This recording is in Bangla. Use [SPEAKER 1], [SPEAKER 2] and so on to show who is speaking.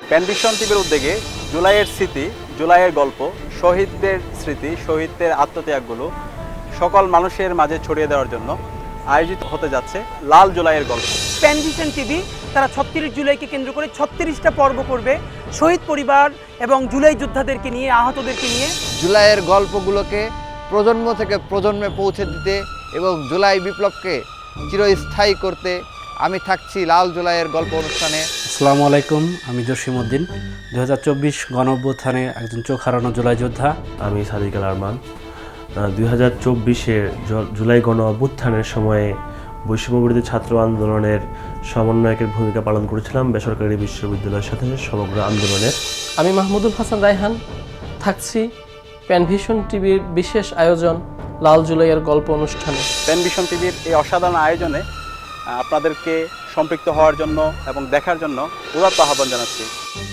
[SPEAKER 1] প্যানভিশন টিভির উদ্যোগে জুলাইয়ের স্মৃতি, জুলাইয়ের গল্প, শহীদদের স্মৃতি, শহীদদের আত্মত্যাগগুলো সকল মানুষের মাঝে ছড়িয়ে দেওয়ার জন্য আয়োজিত হতে যাচ্ছে লাল জুলাইয়ের গল্প।
[SPEAKER 2] প্যানভিশন টিভি তারা ৩৬ জুলাইকে কেন্দ্র করে ৩৬টা পর্ব করবে শহীদ পরিবার এবং জুলাই যোদ্ধাদেরকে নিয়ে, আহতদেরকে নিয়ে।
[SPEAKER 3] জুলাইয়ের গল্পগুলোকে প্রজন্ম থেকে প্রজন্মে পৌঁছে দিতে এবং জুলাই বিপ্লবকে চিরস্থায়ী করতে আমি থাকছি লাল জুলাইয়ের গল্প অনুষ্ঠানে।
[SPEAKER 4] আসসালামু আলাইকুম, আমি জসিমউদ্দিন, 2024 গণঅভ্যুত্থানে একজন চোখ হারানো জুলাই যোদ্ধা।
[SPEAKER 5] আমি সাদিক আল আরমান। 2024-এর জুলাই গণ অভ্যুত্থানের সময়ে বৈষম্যবিরোধী ছাত্র আন্দোলনের সমন্বয়কের ভূমিকা পালন করেছিলাম বেসরকারি বিশ্ববিদ্যালয়ের সাথে সমগ্র আন্দোলনের।
[SPEAKER 6] আমি মাহমুদুল হাসান রায়হান, থাকছি প্যানভিশন টিভির বিশেষ আয়োজন লাল জুলাইয়ের গল্প অনুষ্ঠানে।
[SPEAKER 1] প্যানভিশন টিভির এই অসাধারণ আয়োজনে আপনাদেরকে সম্পৃক্ত হওয়ার জন্য এবং দেখার জন্য উদাত্ত আহ্বান জানাচ্ছি।